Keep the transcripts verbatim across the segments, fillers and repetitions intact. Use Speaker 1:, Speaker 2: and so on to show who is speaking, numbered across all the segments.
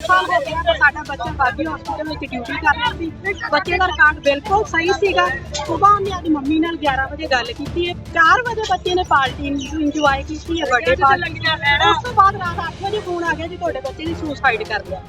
Speaker 1: ਸਾਲ ਹੋ ਗਿਆ ਤਾਂ ਸਾਡਾ ਬੱਚਾ ਬਾਗੀ ਹਸਪੀਟਲ ਵਿੱਚ ਡਿਊਟੀ ਕਰ ਰਿਹਾ ਸੀ। ਬੱਚੇ ਦਾ ਰਿਕਾਰਡ ਬਿਲਕੁਲ ਸਹੀ ਸੀਗਾ। ਸੁਬਾਹ ਉਹਨੇ ਆਪਣੀ ਮੰਮੀ ਨਾਲ ਗਿਆਰਾਂ ਵਜੇ ਗੱਲ ਕੀਤੀ ਹੈ। ਚਾਰ ਵਜੇ ਬੱਚੇ ਨੇ ਪਾਰਟੀ ਇੰਜੋਏ ਕੀਤੀ ਹੈ, ਬਰਥਡੇ ਪਾਰਟੀ। ਉਸ ਤੋਂ ਬਾਅਦ ਰਾਤ ਅੱਠ ਵਜੇ ਫੋਨ ਆ ਗਿਆ ਜੀ ਤੁਹਾਡੇ ਬੱਚੇ ਨੇ ਸੁਸਾਈਡ ਕਰ ਲਿਆ।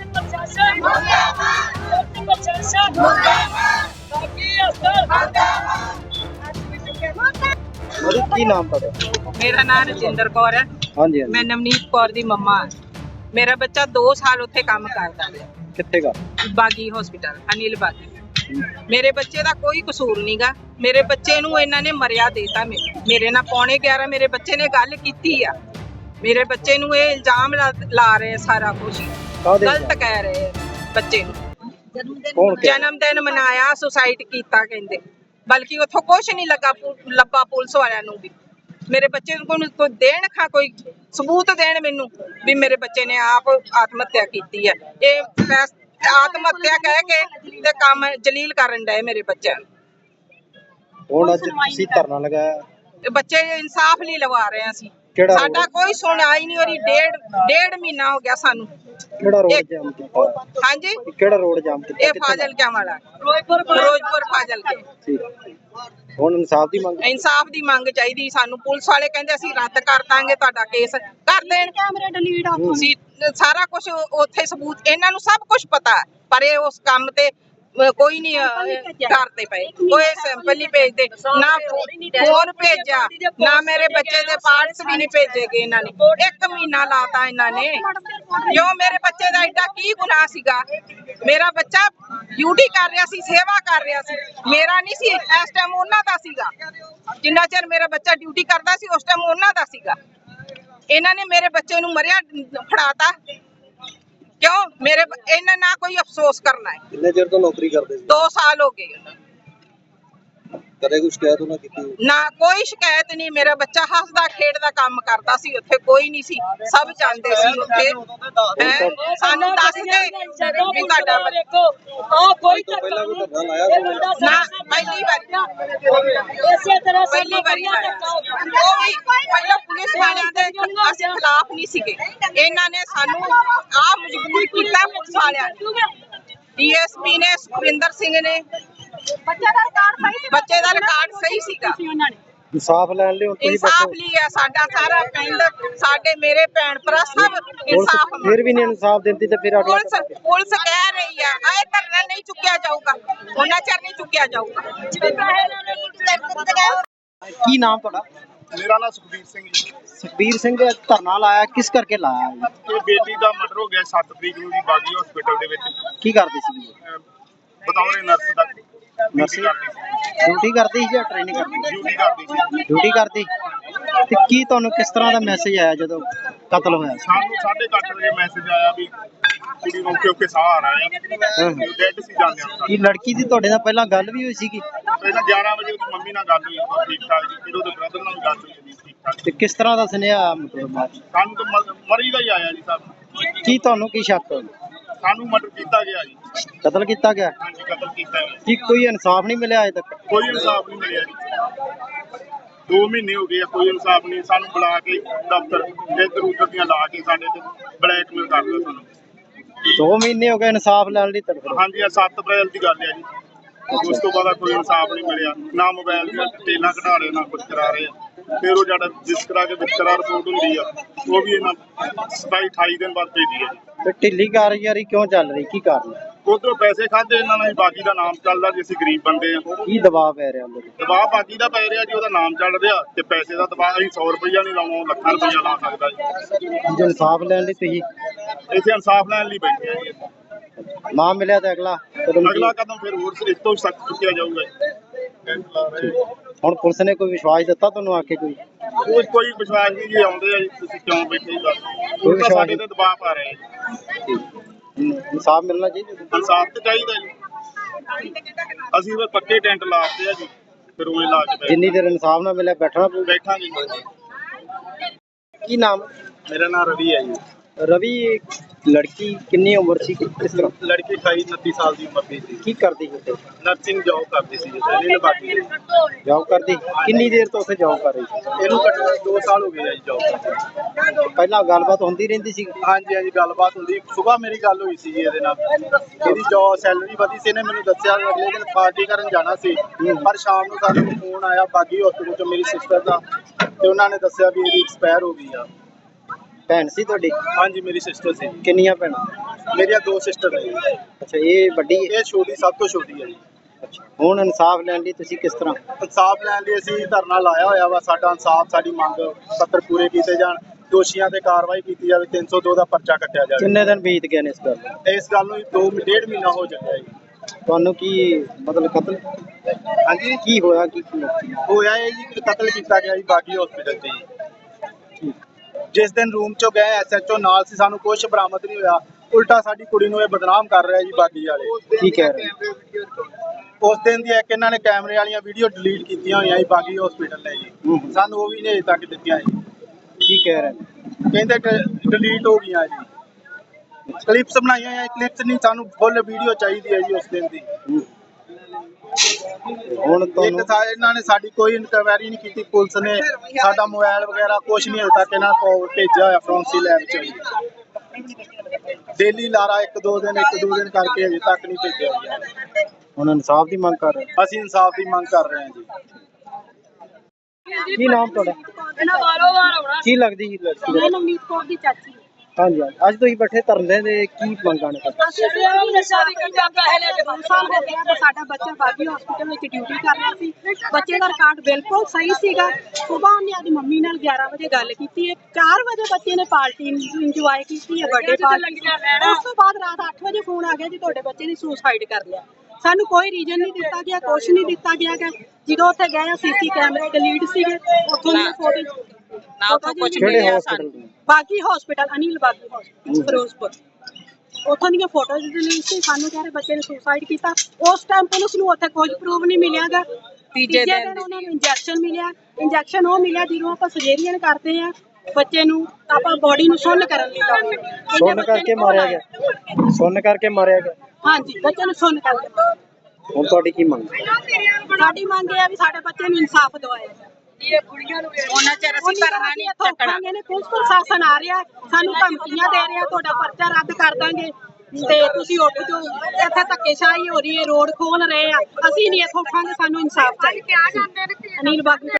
Speaker 2: ਕੀ ਨਾਮ ਤੁਹਾਡਾ?
Speaker 3: ਮੇਰਾ ਨਾਮ ਰਜਿੰਦਰ ਕੌਰ ਹੈ।
Speaker 2: ਹਾਂਜੀ
Speaker 3: ਮੈਂ ਨਵਨੀਤ ਕੌਰ ਦੀ ਮੰਮਾ। ਮੇਰਾ ਬੱਚਾ ਦੋ ਸਾਲ ਉੱਥੇ ਕੰਮ ਕਰਦਾ ਰਿਹਾ।
Speaker 2: ਕਿੱਥੇ ਗਾ?
Speaker 3: ਬਾਗੀ ਹਸਪੀਟਲ, ਅਨਿਲ ਬਾਗੀ। ਮੇਰੇ ਬੱਚੇ ਦਾ ਕੋਈ ਕਸੂਰ ਨਹੀਂਗਾ। ਮੇਰੇ ਬੱਚੇ ਨੂੰ ਇਹਨਾਂ ਨੇ ਮਰਿਆ ਦੇਤਾ। ਮੇਰੇ ਨਾਲ ਪੌਣੇ ਗਿਆਰਾਂ ਮੇਰੇ ਬੱਚੇ ਨੇ ਗੱਲ ਕੀਤੀ ਆ। ਮੇਰੇ ਬੱਚੇ ਨੂੰ ਇਹ ਇਲਜ਼ਾਮ ਲਾ ਰਹੇ ਸਾਰਾ ਕੁਝ ਗਲਤ ਕਹਿ ਰਹੇ ਬੱਚੇ ਨੂੰ। ਜਨਮ ਦਿਨ ਮਨਾਇਆ, ਸੁਸਾਈਡ ਕੀਤਾ ਕਹਿੰਦੇ। ਬਲਕਿ ਉੱਥੋਂ ਕੁਛ ਨਹੀਂ ਲੱਗਾ ਲੱਭਾ ਪੁਲਿਸ ਵਾਲਿਆਂ ਨੂੰ ਵੀ। ਮੇਰੇ ਬੱਚੇ ਨੂੰ ਕੋਈ ਦੇਣ ਖਾ ਕੋਈ ਸਬੂਤ ਦੇਣ ਮੈਨੂੰ ਵੀ ਮੇਰੇ ਬੱਚੇ ਨੇ ਆਪ ਆਤਮ ਹੱਤਿਆ ਕੀਤੀ ਹੈ। ਇਹ ਆਤਮ ਹੱਤਿਆ ਕਹਿ ਕੇ ਤੇ ਕੰਮ ਜਲੀਲ ਕਰਨ ਡਏ ਮੇਰੇ ਬੱਚਿਆਂ ਨੂੰ।
Speaker 2: ਹੁਣ ਅੱਜ ਤੁਸੀਂ ਧਰਨਾ ਲਗਾਇਆ,
Speaker 3: ਬੱਚੇ ਇਨਸਾਫ ਲਈ ਲਵਾ ਰਹੇ ਅਸੀਂ। ਸਾਡਾ ਕੋਈ ਸੁਣਾਈ ਨਹੀਂ ਹੋ ਰਹੀ। ਡੇਢ ਡੇਢ ਮਹੀਨਾ ਹੋ ਗਿਆ ਸਾਨੂੰ।
Speaker 2: ਕਿਹੜਾ ਰੋਡ ਜਾਮ ਕੀਤਾ?
Speaker 3: ਹਾਂਜੀ,
Speaker 2: ਕਿਹੜਾ ਰੋਡ ਜਾਮ ਕੀਤਾ?
Speaker 3: ਇਹ ਫਾਜ਼ਿਲਕਾ ਵਾਲਾ, ਫਿਰੋਜ਼ਪੁਰ ਫਾਜ਼ਿਲਕੇ।
Speaker 2: ਹੁਣ ਇਨਸਾਫ ਦੀ ਮੰਗ
Speaker 3: ਇਨਸਾਫ ਦੀ ਮੰਗ ਚਾਹੀਦੀ ਸਾਨੂੰ। ਪੁਲਿਸ ਵਾਲੇ ਕਹਿੰਦੇ ਅਸੀਂ ਰੱਦ ਕਰ ਦਾਂਗੇ ਤੁਹਾਡਾ ਕੇਸ। ਕਰ ਦੇਣ, ਕੈਮਰੇ ਡਿਲੀਟ ਆ, ਸਾਰਾ ਕੁਝ ਉੱਥੇ ਸਬੂਤ। ਇਹਨਾਂ ਨੂੰ ਸਭ ਕੁਝ ਪਤਾ, ਪਰ ਇਹ ਉਸ ਕੰਮ ਤੇ ਕੋਈ ਨਹੀਂ ਕਰਦੇ ਪਏ। ਕੋਈ ਸੈਂਪਲ ਨਹੀਂ ਭੇਜਦੇ, ਨਾ ਫੋਨ ਭੇਜਿਆ, ਨਾ ਮੇਰੇ ਬੱਚੇ ਦੇ ਪਾਰਟਸ ਵੀ ਨਹੀਂ ਭੇਜੇਗੇ ਇਹਨਾਂ ਨੇ। ਇੱਕ ਮਹੀਨਾ ਲਾਤਾ ਇਹਨਾਂ ਨੇ। ਕਿਉਂ? ਮੇਰੇ ਬੱਚੇ ਦਾ ਐਡਾ ਕੀ ਗੁਨਾਹ ਸੀਗਾ? ਮੇਰਾ ਬੱਚਾ ਡਿਊਟੀ ਕਰ ਰਿਹਾ ਸੀ, ਸੇਵਾ ਕਰ ਰਿਹਾ ਸੀ। ਮੇਰਾ ਨਹੀਂ ਸੀ ਇਸ ਟਾਈਮ, ਉਹਨਾਂ ਦਾ ਸੀਗਾ। ਜਿੰਨਾ ਚਿਰ ਮੇਰਾ ਬੱਚਾ ਡਿਊਟੀ ਕਰਦਾ ਸੀ ਉਸ ਟਾਈਮ ਉਹਨਾਂ ਦਾ ਸੀਗਾ। ਇਹਨਾਂ ਨੇ ਮੇਰੇ ਬੱਚੇ ਨੂੰ ਮਰਿਆ ਫੜਾਤਾ। ਕਿਉਂ? ਮੇਰੇ ਇਹਨਾਂ ਨਾ ਕੋਈ ਅਫਸੋਸ ਕਰਨਾ ਹੈ।
Speaker 2: ਕਿੰਨੇ ਚਿਰ ਤੋਂ ਨੌਕਰੀ ਕਰਦੇ ਸੀ?
Speaker 3: ਦੋ ਸਾਲ ਹੋ ਗਏ।
Speaker 2: ਕਦੇ ਕੋਈ ਸ਼ਿਕਾਇਤ ਉਹਨਾਂ ਕੀਤੀ?
Speaker 3: ਨਾ, ਕੋਈ ਸ਼ਿਕਾਇਤ ਨਹੀਂ। ਮੇਰਾ ਬੱਚਾ ਹੱਸਦਾ ਖੇਡਦਾ ਕੰਮ ਕਰਦਾ ਸੀ ਉੱਥੇ। ਕੋਈ ਨਹੀਂ ਸੀ, ਸਭ ਜਾਣਦੇ ਸੀ ਉੱਥੇ। ਹੈ ਸਾਨੂੰ ਦੱਸਦੇ ਵੀ ਤੁਹਾਡਾ
Speaker 1: ਕੋਈ
Speaker 2: ਪਹਿਲਾਂ ਕੋਈ ਧਰਨਾ ਲਾਇਆ
Speaker 3: ਨਾ, ਪਹਿਲੀ ਵਾਰੀ
Speaker 1: ਇਸੇ ਤਰ੍ਹਾਂ
Speaker 3: ਪਹਿਲੀ ਵਾਰੀ ਲਾਇਆ। ਉਹ ਵੀ ਪਹਿਲਾਂ ਪੁਲਿਸ ਵਾਲਿਆਂ ਦੇ ਅਸੀਂ ਖਿਲਾਫ ਨਹੀਂ ਸੀਗੇ। ਇਹਨਾਂ ਨੇ ਸਾਨੂੰ ਆ ਮਜਬੂਰ ਕੀਤਾ ਪੁਲਿਸ ਵਾਲਿਆਂ ਨੇ। ਡੀਐਸਪੀ ਨੇ, ਸੁਖਵਿੰਦਰ ਸਿੰਘ ਨੇ। ਬੱਚੇ ਦਾ ਰਿਕਾਰਡ ਸਹੀ ਸੀ। ਬੱਚੇ ਦਾ ਰਿਕਾਰਡ ਸਹੀ ਸੀਗਾ।
Speaker 2: ਇਨਸਾਫ ਲੈਣ ਲਈ
Speaker 3: ਇਨਸਾਫ ਲਈ ਆ ਸਾਡਾ ਸਾਰਾ ਪਿੰਡ, ਸਾਡੇ ਮੇਰੇ ਭੈਣ ਭਰਾ ਸਭ ਇਨਸਾਫ।
Speaker 2: ਫਿਰ ਵੀ ਨਹੀਂ ਇਨਸਾਫ ਦਿੰਦੀ ਤੇ ਫਿਰ
Speaker 3: ਪੁਲਿਸ ਪੁਲਿਸ ਕਹਿ ਰਹੀ ਆ ਇਹ ਧਰਨਾ ਨਹੀਂ ਚੁੱਕਿਆ ਜਾਊਗਾ, ਉਹਨਾਂ ਚਿਰ ਨਹੀਂ ਚੁੱਕਿਆ ਜਾਊਗਾ।
Speaker 2: ਕੀ ਨਾਮ ਤੁਹਾਡਾ?
Speaker 4: ਮੇਰਾ ਨਾਮ ਸੁਖਬੀਰ ਸਿੰਘ ਜੀ।
Speaker 2: ਸੁਖਬੀਰ ਸਿੰਘ ਧਰਨਾ ਲਾਇਆ, ਕਿਸ ਕਰਕੇ ਲਾਇਆ?
Speaker 4: ਇਹ ਬੇਟੀ ਦਾ ਮਰਡਰ ਹੋ ਗਿਆ ਸੱਤ ਤਰੀਕ ਨੂੰ ਜੀ ਬਾਗੀ ਹਸਪੀਟਲ ਦੇ ਵਿੱਚ।
Speaker 2: ਕੀ ਕਰਦੀ ਸੀ?
Speaker 4: ਬਤੌਰੇ ਨਰਸ ਦਾ
Speaker 2: ਨਰਸ ਡਿਊਟੀ ਕਰਦੀ ਸੀ ਜਾਂ ਟ੍ਰੇਨਿੰਗ ਕਰਦੀ?
Speaker 4: ਡਿਊਟੀ ਕਰਦੀ ਸੀ।
Speaker 2: ਡਿਊਟੀ ਕਰਦੀ। ਤੇ ਕੀ ਤੁਹਾਨੂੰ ਕਿਸ ਤਰ੍ਹਾਂ ਦਾ ਮੈਸੇਜ ਆਇਆ ਜਦੋਂ ਕਤਲ ਹੋਇਆ?
Speaker 4: ਸਾਨੂੰ ਸਾਢੇ ਕੁ ਅੱਠ ਵਜੇ ਮੈਸੇਜ ਆਇਆ ਵੀ ਕੁੜੀ ਨੂੰ ਓਕੇ ਓਕੇ ਸਾਹ ਆ ਰਿਹਾ ਹੈ। ਡੈਡ ਸੀ ਜਾਂਦੇ ਆ।
Speaker 2: ਕੀ ਲੜਕੀ ਦੀ ਤੁਹਾਡੇ ਨਾਲ ਪਹਿਲਾਂ ਗੱਲ ਵੀ ਹੋਈ ਸੀਗੀ?
Speaker 4: ਪਹਿਲਾਂ ਗਿਆਰਾਂ ਵਜੇ ਉਹਦੀ ਮੰਮੀ ਨਾਲ ਗੱਲ ਹੋਈ ਠੀਕ ਠਾਕ ਜੀ। ਫਿਰ ਉਹਦੇ ਬ੍ਰਦਰ ਨਾਲ ਵੀ ਗੱਲ ਹੋਈ ਜੀ ਠੀਕ ਠਾਕ।
Speaker 2: ਤੇ ਕਿਸ ਤਰ੍ਹਾਂ ਦਾ ਸੁਨੇਹਾ ਮਤਲਬ
Speaker 4: ਸਾਨੂੰ ਤਾਂ ਮ- ਮਰੀ ਦਾ ਹੀ ਆਇਆ ਜੀ ਸਾਹਿਬ।
Speaker 2: ਕੀ ਤੁਹਾਨੂੰ ਕੀ ਸ਼ੱਕ ਹੋਇਆ?
Speaker 4: ਸਾਨੂੰ ਮਰਡਰ ਕੀਤਾ ਗਿਆ ਜੀ।
Speaker 2: ਕਤਲ ਕੀਤਾ ਗਿਆ?
Speaker 4: ਹਾਂਜੀ, ਕਤਲ ਕੀਤਾ ਗਿਆ।
Speaker 2: ਕੀ ਕੋਈ ਇਨਸਾਫ ਨਹੀਂ ਮਿਲਿਆ ਅਜੇ ਤੱਕ?
Speaker 4: ਕੋਈ ਇਨਸਾਫ ਨਹੀਂ ਮਿਲਿਆ ਜੀ। ਦੋ ਮਹੀਨੇ ਹੋ ਗਏ ਆ, ਕੋਈ ਇਨਸਾਫ ਨਹੀਂ। ਸਾਨੂੰ ਬੁਲਾ ਕੇ ਦਫ਼ਤਰ ਇੱਧਰ ਉੱਧਰ ਦੀਆਂ ਲਾ ਕੇ ਸਾਡੇ ਤੇ ਬਲੈਕਮੇਲ ਕਰਦੇ ਸਾਨੂੰ।
Speaker 2: ਦੋ ਮਹੀਨੇ ਹੋ ਗਏ ਇਨਸਾਫ ਲੈਣ ਲਈ ਤੜਫ ਰਹੇ।
Speaker 4: ਹਾਂਜੀ, ਆ ਸੱਤ ਅਪ੍ਰੈਲ ਦੀ ਗੱਲ ਹੈ ਜੀ। ਉਸ ਤੋਂ ਬਾਅਦ ਕੋਈ ਇਨਸਾਫ ਨਹੀਂ ਮਿਲਿਆ। ਨਾ ਮੋਬਾਈਲ ਦੀਆਂ ਡਿਟੇਲਾਂ ਕਢਾ ਰਹੇ, ਨਾ ਕੁਝ ਕਰਾ ਰਹੇ। ਫਿਰ ਉਹ ਜਿਹੜਾ ਜਿਸ ਤਰ੍ਹਾਂ ਕੇ ਵਿਤਕਰਾ ਰਿਪੋਰਟ ਹੁੰਦੀ ਆ ਉਹ ਵੀ ਇਹਨਾਂ ਸਤਾਈ ਅਠਾਈ ਦਿਨ ਬਾਅਦ ਭੇਜੀ ਹੈ।
Speaker 2: ਤੇ ਢਿੱਲੀ ਕਾਰਗੁਜ਼ਾਰੀ ਕਿਉਂ ਚੱਲ ਰਹੀ? ਕੀ ਕਾਰਨ?
Speaker 4: ਉਧਰੋਂ ਪੈਸੇ ਖਾਦੇ ਇਹਨਾਂ ਨਾਲ। ਬਾਗੀ ਦਾ ਨਾਮ ਚੱਲਦਾ ਜੀ, ਅਸੀਂ ਗਰੀਬ ਬੰਦੇ ਆ।
Speaker 2: ਕੀ ਦਬਾਅ ਪੈ ਰਿਹਾ ਉਹਦੇ ਤੇ?
Speaker 4: ਦਬਾਅ ਬਾਗੀ ਦਾ ਪੈ ਰਿਹਾ ਜੀ, ਉਹਦਾ ਨਾਮ ਚੱਲ ਰਿਹਾ ਤੇ ਪੈਸੇ ਦਾ ਦਬਾਅ। ਅਸੀਂ ਸੌ ਰੁਪਈਆ ਨਹੀਂ ਲਾਉਣਾ, ਉਹ ਲੱਖਾਂ ਰੁਪਈਆ ਲਾ ਸਕਦਾ ਜੀ।
Speaker 2: ਜੇ ਇਨਸਾਫ ਲੈਣ ਲਈ ਤੁਸੀਂ
Speaker 4: ਇੱਥੇ ਇਨਸਾਫ ਲੈਣ ਲਈ ਬੈਠੇ ਆ ਜੀ।
Speaker 2: ਨਾ ਮਿਲਿਆ ਤਾਂ ਅਗਲਾ ਕਦਮ?
Speaker 4: ਅਗਲਾ ਕਦਮ ਫਿਰ ਹੋਰ ਇਸ ਤੋਂ ਸਖਤ ਚੁੱਕਿਆ ਜਾਊਗਾ ਜੀ।
Speaker 2: ਹੁਣ ਪੁਲਿਸ ਨੇ ਕੋਈ ਵਿਸ਼ਵਾਸ ਦਿੱਤਾ ਤੁਹਾਨੂੰ ਆ ਕੇ? ਕੋਈ
Speaker 4: ਕੋਈ ਕੋਈ ਵਿਸ਼ਵਾਸ ਨਹੀਂ ਜੀ। ਆਉਂਦੇ ਆ ਜੀ, ਤੁਸੀਂ ਕਿਉਂ ਬੈਠੇ ਜੀ?
Speaker 2: ਕੋਈ
Speaker 4: ਉਹ ਤਾਂ ਸਾਡੇ ਤੇ ਦਬਾਅ ਪਾ ਰਹੇ ਜੀ।
Speaker 2: ਇਨਸਾਫ ਮਿਲਣਾ ਚਾਹੀਦਾ।
Speaker 4: ਇਨਸਾਫ ਤੇ ਚਾਹੀਦਾ ਜੀ। ਅਸੀਂ ਫਿਰ ਪੱਕੇ ਟੈਂਟ ਲਾਤੇ ਆ ਜੀ, ਫਿਰ ਉਵੇਂ ਲਾ ਕੇ
Speaker 2: ਜਿੰਨੀ ਦੇਰ ਇਨਸਾਫ ਨਾ ਮਿਲਿਆ ਬੈਠਣਾ ਪਊ।
Speaker 4: ਬੈਠਾਂਗੇ।
Speaker 2: ਕੀ ਨਾਮ?
Speaker 4: ਮੇਰਾ ਨਾਮ ਰਵੀ ਹੈ ਜੀ।
Speaker 2: ਰਵੀ ਲੜਕੀ ਕਿੰਨੀ ਉਮਰ ਸੀ ਕਿਸ ਤਰ੍ਹਾਂ
Speaker 4: ਲੜਕੀ ਅਠਾਈ ਉਨੱਤੀ ਸਾਲ ਦੀ ਉਮਰ ਦੀ ਸੀ
Speaker 2: ਕੀ ਕਰਦੀ ਸੀ
Speaker 4: ਨਰਸਿੰਗ ਜੌਬ ਕਰਦੀ ਸੀ ਦਿੱਲੀ ਲਬਾਕੀ
Speaker 2: ਜੌਬ ਕਰਦੀ ਕਿੰਨੀ ਦੇਰ ਤੋਂ ਉੱਥੇ ਜੌਬ ਕਰ ਰਹੀ ਸੀ
Speaker 4: ਇਹਨੂੰ ਘੱਟੋ ਘੱਟ ਦੋ ਸਾਲ ਹੋ ਗਏ ਆ ਜੀ ਜੌਬ ਕਰਦੇ
Speaker 2: ਪਹਿਲਾਂ ਗੱਲਬਾਤ ਹੁੰਦੀ ਰਹਿੰਦੀ ਸੀ
Speaker 4: ਹਾਂਜੀ ਹਾਂਜੀ ਗੱਲਬਾਤ ਹੁੰਦੀ ਸਵੇਰ ਮੇਰੀ ਗੱਲ ਹੋਈ ਸੀ ਜੀ ਇਹਦੇ ਨਾਲ ਇਹਦੀ ਜੌਬ ਸੈਲਰੀ ਵਧੀ ਸੀ ਇਹਨੇ ਮੈਨੂੰ ਦੱਸਿਆ ਅਗਲੇ ਦਿਨ ਪਾਰਟੀ ਕਰਨ ਜਾਣਾ ਸੀ ਪਰ ਸ਼ਾਮ ਨੂੰ ਸਾਨੂੰ ਫੋਨ ਆਇਆ ਬਾਗੀ ਹਸਪੀਟਲ ਤੋਂ ਮੇਰੀ ਸਿਸਟਰ ਦਾ ਤੇ ਉਹਨਾਂ ਨੇ ਦੱਸਿਆ ਵੀ ਇਹਦੀ ਐਕਸਪਾਇਰ ਹੋ ਗਈ ਆ
Speaker 2: ਭੈਣ ਸੀ ਤੁਹਾਡੀ
Speaker 4: ਹਾਂਜੀ ਮੇਰੀ ਸਿਸਟਰ ਸੀ
Speaker 2: ਕਿੰਨੀਆਂ ਭੈਣਾਂ
Speaker 4: ਮੇਰੀਆਂ ਦੋ ਸਿਸਟਰ ਨੇ ਜੀ।
Speaker 2: ਅੱਛਾ ਇਹ ਵੱਡੀ ਹੈ
Speaker 4: ਇਹ ਛੋਟੀ ਸਭ ਤੋਂ ਛੋਟੀ ਹੈ ਜੀ
Speaker 2: ਅੱਛਾ ਹੁਣ ਇਨਸਾਫ ਲੈਣ ਲਈ ਤੁਸੀਂ ਕਿਸ ਤਰ੍ਹਾਂ
Speaker 4: ਇਨਸਾਫ ਲੈਣ ਲਈ ਅਸੀਂ ਧਰਨਾ ਲਾਇਆ ਹੋਇਆ ਵਾ ਸਾਡਾ ਇਨਸਾਫ ਸਾਡੀ ਮੰਗ ਪੱਤਰ ਪੂਰੇ ਕੀਤੇ ਜਾਣ ਦੋਸ਼ੀਆਂ ਤੇ ਕਾਰਵਾਈ ਕੀਤੀ ਜਾਵੇ ਤਿੰਨ ਸੌ ਦੋ ਦਾ ਪਰਚਾ ਕੱਟਿਆ ਜਾਵੇ
Speaker 2: ਕਿੰਨੇ ਦਿਨ ਬੀਤ ਗਏ ਨੇ ਇਸ ਗੱਲ ਨੂੰ?
Speaker 4: ਇਸ ਗੱਲ ਨੂੰ ਦੋ ਡੇਢ ਮਹੀਨਾ ਹੋ ਚੱਲਿਆ ਜੀ
Speaker 2: ਤੁਹਾਨੂੰ ਕੀ ਮਤਲਬ ਕਤਲ
Speaker 4: ਹਾਂਜੀ
Speaker 2: ਕੀ ਹੋਇਆ ਕੀ
Speaker 4: ਹੋਇਆ ਇਹ ਜੀ ਕਿ ਕਤਲ ਕੀਤਾ ਗਿਆ ਜੀ ਬਾਗੀ ਹਸਪੀਟਲ 'ਚ ਜੀ ਜਿਸ ਦਿਨ ਰੂਮ 'ਚੋਂ ਗਏ ਐਸਐਚਓ ਨਾਲ ਸੀ ਸਾਨੂੰ ਕੁਝ ਬਰਾਮਦ ਨਹੀਂ ਹੋਇਆ ਉਲਟਾ ਸਾਡੀ ਕੁੜੀ ਨੂੰ ਇਹ ਬਦਨਾਮ ਕਰ ਰਿਹਾ ਜੀ ਬਾਗੀ ਵਾਲੇ
Speaker 2: ਕੀ ਕਹਿ ਰਹੇ
Speaker 4: ਉਸ ਦਿਨ ਦੀ ਇੱਕ ਇਹਨਾਂ ਨੇ ਕੈਮਰੇ ਵਾਲੀਆਂ ਵੀਡੀਓ ਡਿਲੀਟ ਕੀਤੀਆਂ ਹੋਈਆਂ ਜੀ ਬਾਗੀ ਹਸਪੀਟਲ ਨੇ ਜੀ
Speaker 2: ਹੂੰ।
Speaker 4: ਸਾਨੂੰ ਉਹ ਵੀ ਨਹੀਂ ਅਜੇ ਤੱਕ ਦਿੱਤੀਆਂ ਜੀ
Speaker 2: ਕੀ ਕਹਿ ਰਹੇ ਨੇ
Speaker 4: ਕਹਿੰਦੇ ਡਿਲੀਟ ਹੋ ਗਈਆਂ ਜੀ ਕਲਿੱਪਸ ਬਣਾਈਆਂ ਹੋਈਆਂ ਕਲਿੱਪਸ ਨਹੀਂ ਸਾਨੂੰ ਫੁੱਲ ਵੀਡੀਓ ਚਾਹੀਦੀ ਹੈ ਜੀ ਉਸ ਦਿਨ ਦੀ
Speaker 2: ਹੂੰ। ਹੁਣ
Speaker 4: ਇੱਕ
Speaker 2: ਤੁਹਾਨੂੰ
Speaker 4: ਸਾ ਇਹਨਾਂ ਨੇ ਸਾਡੀ ਕੋਈ ਇਨਕੁਆਇਰੀ ਨਹੀਂ ਕੀਤੀ ਪੁਲਿਸ ਨੇ ਸਾਡਾ ਮੋਬਾਈਲ ਵਗੈਰਾ ਕੁਝ ਨਹੀਂ ਹਜੇ ਤੱਕ ਇਹਨਾਂ ਕੋਲ ਭੇਜਿਆ ਹੋਇਆ ਫਰੋਂਸੀ ਲੈਬ 'ਚ ਜੀ ਡੇਲੀ ਲਾਰਾ ਇੱਕ ਦੋ ਦਿਨ ਇੱਕ ਦੋ ਦਿਨ ਕਰਕੇ ਹਜੇ ਤੱਕ ਨਹੀਂ ਭੇਜਿਆ ਹੋਇਆ
Speaker 2: ਹੁਣ ਇਨਸਾਫ ਦੀ ਮੰਗ ਕਰ ਰਹੇ
Speaker 4: ਅਸੀਂ ਇਨਸਾਫ ਦੀ ਮੰਗ ਕਰ ਰਹੇ ਹਾਂ ਜੀ
Speaker 2: ਕੀ ਨਾਮ ਤੁਹਾਡਾ
Speaker 1: ਇਹਨਾਂ ਵਾਰੋ ਵਾਰ ਆਉਣਾ
Speaker 2: ਕੀ ਲੱਗਦੀ ਸੀ ਲੜਕੀ ਦਾ?
Speaker 1: ਮੈਂ ਨਵਨੀਤ ਕੌਰ ਦੀ ਚਾਚੀ
Speaker 2: ਹਾਂਜੀ ਹਾਂਜੀ ਅੱਜ ਤੁਸੀਂ ਬੈਠੇ ਧਰਨੇ ਦੇ ਕੀ ਮੰਗਾਂ ਨੇ ਤੁਹਾਡੀਆਂ?
Speaker 1: ਅਸੀਂ ਇਹ ਨਸ਼ਾ ਦੀ ਕੰਜਾ ਹੈ ਲੈ ਕੇ ਦੋ ਸਾਲ ਹੋ ਗਿਆ ਤੇ ਸਾਡਾ ਬੱਚਾ ਬਾਗੀ ਹਸਪੀਟਲ ਵਿੱਚ ਡਿਊਟੀ ਕਰ ਰਿਹਾ ਸੀ ਬੱਚੇ ਦਾ ਰਿਕਾਰਡ ਬਿਲਕੁਲ ਸਹੀ ਸੀਗਾ ਸਵੇਰ ਉਹਨੇ ਆਪਣੀ ਮੰਮੀ ਨਾਲ ਗਿਆਰਾਂ ਵਜੇ ਗੱਲ ਕੀਤੀ ਹੈ ਚਾਰ ਵਜੇ ਬੱਚੇ ਨੇ ਪਾਰਟੀ ਇੰਜੋਏ ਕੀਤੀ ਹੈ ਬਰਥਡੇ ਪਾਰਟੀ ਉਸ ਤੋਂ ਬਾਅਦ ਰਾਤ ਅੱਠ ਵਜੇ ਫੋਨ ਆ ਗਿਆ ਜੀ ਤੁਹਾਡੇ ਬੱਚੇ ਨੇ ਸੁਸਾਈਡ ਕਰ ਲਿਆ ਸਾਨੂੰ ਕੋਈ ਰੀਜ਼ਨ ਨਹੀਂ ਦਿੱਤਾ ਗਿਆ ਕੁਛ ਨਹੀਂ ਦਿੱਤਾ ਗਿਆ ਗਾ ਜਦੋਂ ਉੱਥੇ ਗਏ ਸੀਸੀ ਕੈਮਰੇ ਡਿਲੀਟ ਸੀਗੇ ਉੱਥੋਂ ਦੀ ਫੋਟੋ
Speaker 3: ਨਾ ਉੱਥੋਂ ਕੁਝ
Speaker 2: ਕਿਹੜੇ
Speaker 3: ਮਿਲਿਆ
Speaker 2: ਹਸਪੀਟਲ
Speaker 3: ਸਾਨੂੰ
Speaker 1: ਬਾਗੀ ਹਸਪੀਟਲ ਅਨਿਲ ਬਾਗੀ ਹਸਪੀਟਲ ਫਿਰੋਜ਼ਪੁਰ ਉੱਥੋਂ ਦੀਆਂ ਫੋਟੋਜ਼ ਡਿਲੀਟ ਸੀ ਸਾਨੂੰ ਕਹਿ ਰਹੇ ਬੱਚੇ ਨੇ ਸੁਸਾਈਡ ਕੀਤਾ ਉਸ ਟਾਈਮ ਪੁਲਿਸ ਨੂੰ ਉੱਥੇ ਕੋਈ ਪ੍ਰੂਫ ਨਹੀਂ ਮਿਲਿਆਗਾ ਤੀਜੇ ਦਿਨ ਉਹਨਾਂ ਨੂੰ ਇੰਜੈਕਸ਼ਨ ਮਿਲਿਆ ਇੰਜੈਕਸ਼ਨ ਉਹ ਮਿਲਿਆ ਜਦੋਂ ਆਪਾਂ ਸਰਜਰੀਆਂ ਕਰਦੇ ਆ ਬੱਚੇ ਨੂੰ ਆਪਾਂ ਬੋਡੀ ਨੂੰ ਸੁੰਨ ਕਰਨ ਲਈ ਲਾਉਂਦੇ ਹਾਂ।
Speaker 2: ਸੁੰਨ ਕਰਕੇ ਮਾਰਿਆ ਗਿਆ ਸੁੰਨ ਕਰਕੇ ਮਾਰਿਆ ਗਿਆ
Speaker 1: ਹਾਂਜੀ ਬੱਚੇ ਨੂੰ ਸੁੰਨ ਕਰਕੇ
Speaker 2: ਹੁਣ ਤੁਹਾਡੀ ਕੀ ਮੰਗ
Speaker 1: ਸਾਡੀ ਮੰਗ ਇਹ ਆ ਵੀ ਸਾਡੇ ਬੱਚੇ ਨੂੰ ਇਨਸਾਫ ਦਿਵਾਇਆ ਜਾਵੇ
Speaker 3: ਉਹਨਾਂ ਚਿਰ ਅਸੀਂ ਧਰਨਾ ਨਹੀਂ ਚੱਕਣਾ
Speaker 1: ਨੇ ਪੁਲਿਸ ਪ੍ਰਸ਼ਾਸਨ ਆ ਰਿਹਾ ਸਾਨੂੰ ਧਮਕੀਆਂ ਦੇ ਰਿਹਾ ਤੁਹਾਡਾ ਪਰਚਾ ਰੱਦ ਕਰ ਦਾਂਗੇ ਤੇ ਤੁਸੀਂ ਉੱਠ ਜਾਓ ਇੱਥੇ ਧੱਕੇਸ਼ਾਹੀ ਹੋ ਰਹੀ ਹੈ ਰੋਡ ਖੋਲ ਰਹੇ ਆ ਅਸੀਂ ਨਹੀਂ ਇੱਥੋਂ ਉੱਠਾਂਗੇ ਸਾਨੂੰ ਇਨਸਾਫ ਚਾਹੀਦਾ ਅਨਿਲ ਬਾਗੀ